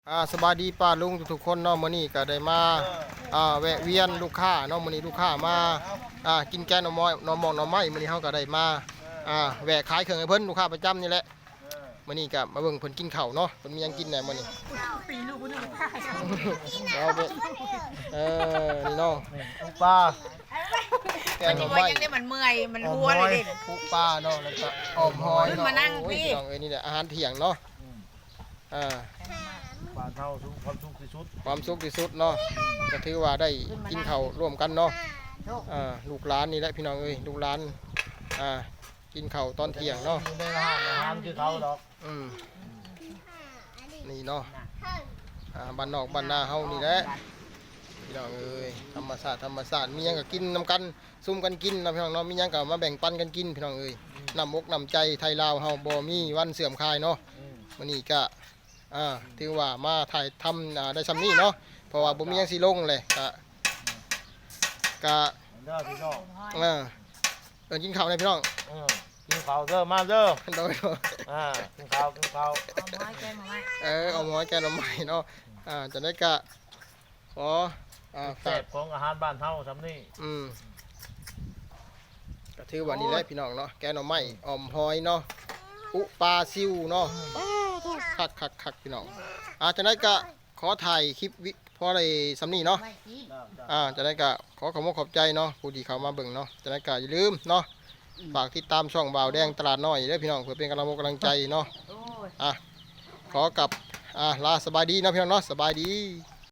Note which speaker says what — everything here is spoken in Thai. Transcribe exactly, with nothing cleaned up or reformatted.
Speaker 1: อ่าสบายดีป้าลุงทุกๆคนเนาะมื้อนี้ก็ได้มาอ่าแวะเวียนลูกค้าเนาะมื้อนี้ลูกค้ามาอ่ากินแกงหน่อไม้หน่อหมอกหน่อไม้มื้อนี้เฮาก็ได้มาอ่าแวะขายเครื่องให้เพิ่นลูกค้าประจำนี่แหละมื้อนี้ก็มาเบิ่งเพิ่นกินข้าวเนาะเพิ่นมีหยังกินแหน่มื้อนี้ปีลูกบ่นึกขายเอาไปเออนี่เนาะปลาแกงหน่อไม้
Speaker 2: ยังได้มันเมื่อยมันหัวเลยเด่น
Speaker 1: ปูปลาเนาะแล้วก็อ้อมหอยเนาะ
Speaker 2: มานั่งพี่
Speaker 1: น้องเอ้ยนี่แหละอาหารเที่ยงเนาะอ่า
Speaker 3: ปลาเท่าสุกความสุขที่สุด
Speaker 1: ความสุขที่สุดเนาะก็ถือว่าได้กินข้าวร่วมกันเนาะอ่าลูกหลานนี่แหละพี่น้องเอ้ยลูกหลานอ่ากินข้าวตอนเที่ยงเนาะ
Speaker 3: อยู่ในร้านอาหารคือเขาดอก
Speaker 1: อืมนี่เนาะอ่าบ้านนอกบ้านนาเฮานี่แหละพี่น้องเอ้ยธรรมศาสตร์ธรรมศาสตร์มีหยังก็กินนำกันซุ่มกันกินนะพี่น้องเนาะมีหยังก็มาแบ่งปันกันกินพี่น้องเอ้ยน้ำอกน้ำใจไทยลาวเฮาบ่มีวันเสื่อมคลายเนาะมื้อนี้ก็อ่าถือว่ามาถ่ายทำอ่าได้ซำนี้เนาะเพราะว่าบ่มีหยังสิลงเลยก็ก็
Speaker 3: เด้อพี่น้อง
Speaker 1: เออเอิ้นกินข้าวได้พี่น้อง
Speaker 3: เออกินข้าวเด้อมาเด้อ
Speaker 1: โดย
Speaker 3: อ่ากินข้าวกินข้าว
Speaker 1: เออเอาหม้อแกงหน่อไม้เนาะอ่าจะได้ก็ขออ่า
Speaker 3: แซ่บของอาหารบ้านเฮาซำนี้
Speaker 1: อืมก็ถือว่านี่แหละพี่น้องเนาะแกงหน่อไม้อ่อมหอยเนาะอุปลาซิวเนาะคักคักคักพี่น้องอ่าจะได้ก็ขอถ่ายคลิปวิพอได้สำนีเนาะอ่าจะได้ก็ขอขอบคุณขอบใจเนาะผู้ที่เข้ามาเบิ่งเนาะจะได้ก็อย่าลืมเนาะฝากติดตามช่องบ่าวแดงตลาดน้อยเด้อพี่น้องเพื่อเป็นกำลังกำลังใจเนาะอ่ะขอกลับอ่าลาสบายดีนะพี่น้องเนาะสบายดี